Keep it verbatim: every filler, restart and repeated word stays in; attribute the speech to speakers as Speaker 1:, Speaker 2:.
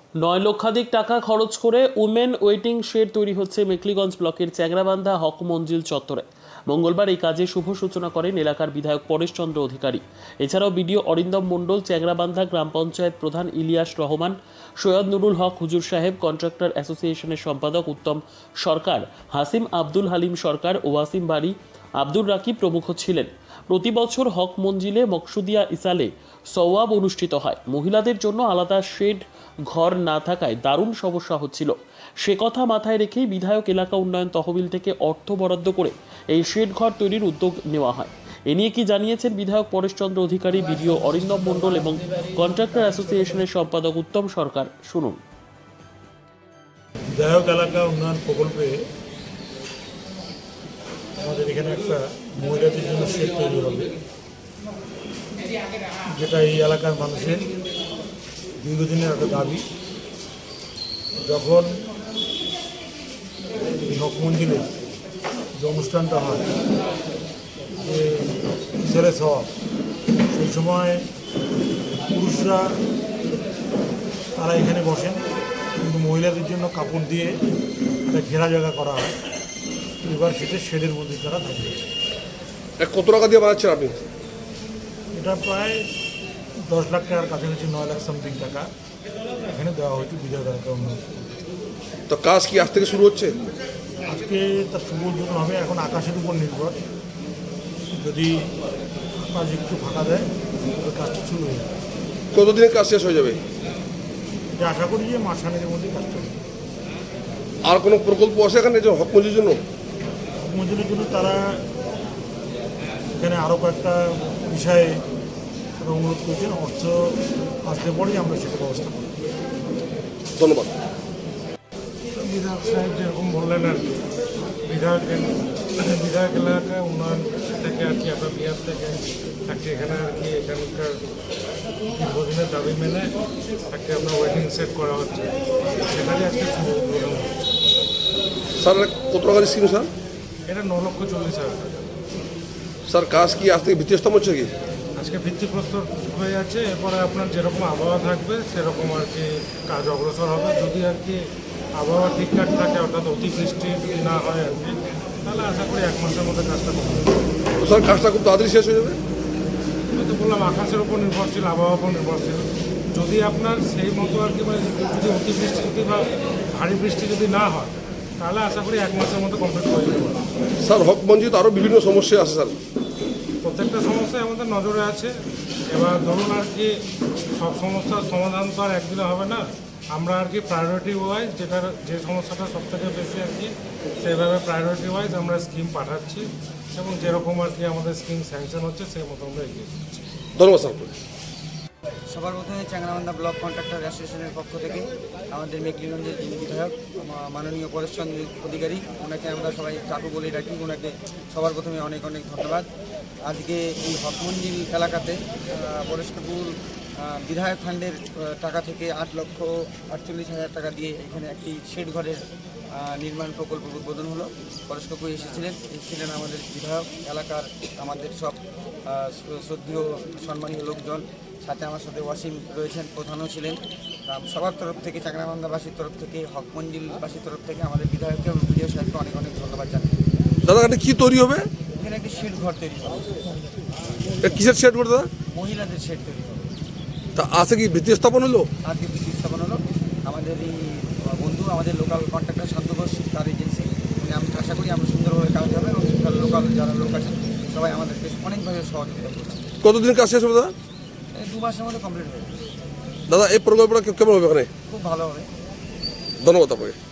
Speaker 1: নয় লক্ষাধিক টাকা খরচ করে উমেন ওয়েটিং শেড তৈরি হচ্ছে মেখলিগঞ্জ ব্লকের চ্যাংরাবান্ধা হক মঞ্জিল চত্বরে। মঙ্গলবার এই কাজে শুভ সূচনা করেন এলাকার বিধায়ক পরেশচন্দ্র অধিকারী। এছাড়াও বিডিও অরিন্দম মণ্ডল, চ্যাংরাবান্ধা গ্রাম পঞ্চায়েত প্রধান ইলিয়াস রহমান, সৈয়দ নুরুল হক হুজুর সাহেব, কন্ট্রাক্টর অ্যাসোসিয়েশনের সম্পাদক উত্তম সরকার, হাসিম আব্দুল হালিম সরকার, ওয়াসিম বাড়ি, আব্দুর রাকিব প্রমুখ ছিলেন। প্রতি বছর হক মঞ্জিলে মকসুদিয়া ইসালে সওয়াব অনুষ্ঠিত হয়। মহিলাদের জন্য আলাদা শেড ঘর না থাকায় দারুণ সমস্যা হচ্ছিল। সে কথা মাথায় রেখেই বিধায়ক এলাকা উন্নয়ন তহবিল থেকে অর্থ বরাদ্দ করে এই শেড ঘর তৈরির উদ্যোগ নেওয়া হয়। এ নিয়ে কি জানিয়েছেন বিধায়ক পরেশচন্দ্র অধিকারী, বিডিও অরিন্দম মণ্ডল এবং কন্ট্রাক্টর অ্যাসোসিয়েশনের সম্পাদক উত্তম সরকার, শুনুন।
Speaker 2: বিধায়ক এলাকা উন্নয়ন প্রকল্পে আমাদের এখানে একটা মহিলাদের জন্য শেড তৈরি হবে, যেটা এই এলাকার মানুষের দীর্ঘদিনের একটা দাবি। যখন এই হক মঞ্জিলে যে অনুষ্ঠানটা হয়, যে ছেলে সব, সেই সময় পুরুষরা তারা এখানে বসেন, কিন্তু মহিলাদের জন্য কাপড় দিয়ে একটা ঘেরা জায়গা করা হয়। এবার সেটা শেডের মধ্যে তারা থাকবে।
Speaker 3: কত টাকা দিয়ে বানাচ্ছেন আপনি?
Speaker 2: এটা প্রায় দশ লাখ টাকার কাছাকাছি, নয় লাখ সামথিং টাকা এখানে দেওয়া হয়েছে বিধায়ক এলাকা উন্নয়ন।
Speaker 3: তো কাজ কি আজ থেকে শুরু হচ্ছে?
Speaker 2: আজকে তার শুভ উদ্বোধন হবে। এখন আকাশের উপর নির্ভর, যদি আকাশ একটু ফাঁকা দেয় তবে কাজটা শুরু হয়ে যাবে।
Speaker 3: কতদিনের কাজ শেষ হয়ে যাবে?
Speaker 2: এটা আশা করি যে মাসখানেকের মধ্যে কাজটা হবে।
Speaker 3: আর কোনো প্রকল্প আছে এখানে যে হক মঞ্জিলের জন্য?
Speaker 2: হক মঞ্জিলের জন্য তারা এখানে আরও কয়েকটা বিষয়ে তারা অনুরোধ করছেন। অর্থ আসলে পরেই আমরা সেটা ব্যবস্থা করব।
Speaker 3: ধন্যবাদ।
Speaker 2: বিধায়ক সাহেব যেরকম বললেন আর কি, বিধায়ক বিধায়ক এলাকা উন্নয়ন থেকে আর কি আপনার বিহার থেকে থাকছে এখানে আর কি এখানকার দীর্ঘদিনের দাবি মেনে একটা আপনার ওয়েটিং সেট করা হচ্ছে, সেটারই আজকে শুভ উদ্বোধন হচ্ছে।
Speaker 3: স্যার কত টাকার স্কিম স্যার?
Speaker 2: এটা ন লক্ষ চল্লিশ হাজার টাকা।
Speaker 3: স্যার কাজ কি আজ থেকে ভিত্তিস্থাপন হচ্ছে কি?
Speaker 2: আজকে ভিত্তিপ্রস্তর হয়ে যাচ্ছে, এরপরে আপনার যেরকম আবহাওয়া থাকবে সেরকম আর কি কাজ অগ্রসর হবে। যদি আর কি আবহাওয়া ঠিকঠাক থাকে, অর্থাৎ অতিবৃষ্টি যদি না হয় আর কি, তাহলে আশা করি এক মাসের মধ্যে কাজটা কমপ্লিট হবে।
Speaker 3: স্যার কাজটা খুব তাড়াতাড়ি শেষ হয়ে যাবে?
Speaker 2: আমি তো বললাম আকাশের উপর নির্ভরশীল, আবহাওয়ার উপর নির্ভরশীল। যদি আপনার সেই মতো আর কি মানে যদি অতিবৃষ্টি যদি বা ভারী বৃষ্টি যদি না হয়, তাহলে আশা করি এক মাসের মধ্যে কমপ্লিট হয়ে যাবে।
Speaker 3: স্যার হক মঞ্জিল আরও বিভিন্ন সমস্যা আছে স্যার।
Speaker 2: প্রত্যেকটা সমস্যাই আমাদের নজরে আছে। এবার ধরুন আর কি সব সমস্যার সমাধান তো আর একদিনে হবে না। আমরা আর কি প্রায়োরিটি ওয়াইজ, যেটার যে সমস্যাটা সব থেকে বেশি আর কি, সেইভাবে প্রায়োরিটি ওয়াইজ আমরা স্কিম পাঠাচ্ছি এবং যেরকম আর কি আমাদের স্কিম স্যাংশন হচ্ছে সেই মতো আমরা এগিয়ে দিচ্ছি।
Speaker 3: ধন্যবাদ স্যার।
Speaker 4: সবার প্রথমে চ্যাংরাবান্ধা ব্লক কন্ট্রাক্টর অ্যাসোসিয়েশনের পক্ষ থেকে আমাদের মেখলিগঞ্জের যিনি বিধায়ক মাননীয় পরেশচন্দ্র অধিকারী, ওনাকে আমরা সবাই চাকু বলে রাখি, ওনাকে সবার প্রথমে অনেক অনেক ধন্যবাদ। আজকে এই হক মঞ্জিল এলাকাতে পরেশ কাকুর বিধায়ক ফান্ডের টাকা থেকে আট লক্ষ আটচল্লিশ হাজার টাকা দিয়ে এখানে একটি শেড ঘরের নির্মাণ প্রকল্প উদ্বোধন হলো। পরেশ কাকু এসেছিলেন এসেছিলেন আমাদের বিধায়ক এলাকার, আমাদের সব শ্রদ্ধেয় সম্মানীয় লোকজন, সাথে আমার সাথে ওয়াসিম রয়েছেন, প্রধানও ছিলেন। সবার তরফ থেকে, চ্যাংরাবান্ধাবাসীর তরফ থেকে, হক মঞ্জিলবাসীর তরফ থেকে আমাদের বিধায়ককে এবং বিডিও সাহেবকে অনেক অনেক ধন্যবাদ জানাই।
Speaker 3: দাদা এটা কী তৈরি হবে?
Speaker 4: এখানে একটি শেড ঘর তৈরি হবে।
Speaker 3: কিসের শেড করে দাদা?
Speaker 4: মহিলাদের শেড তৈরি হবে।
Speaker 3: তা আছে কি ভিত্তি স্থাপন হলো?
Speaker 4: আজকে ভিত্তি স্থাপন হলো। আমাদের এই বন্ধু, আমাদের লোকাল কন্ট্রাক্টর শান্ত ঘোষ, তার এজেন্সি, উনি আমি আশা করি আমরা সুন্দরভাবে কাজ হবে এবং লোকাল যারা লোক আছেন সবাই আমাদেরকে অনেকভাবে সহযোগিতা করছে।
Speaker 3: কতদিন কাজ শেষ হবে দাদা?
Speaker 4: এই দু মাসের মধ্যে কমপ্লিট হয়ে যাবে।
Speaker 3: দাদা এই প্রকল্পটা কেমন হবে এখানে?
Speaker 4: খুব ভালো হবে।
Speaker 3: ধন্যবাদ আপনাকে।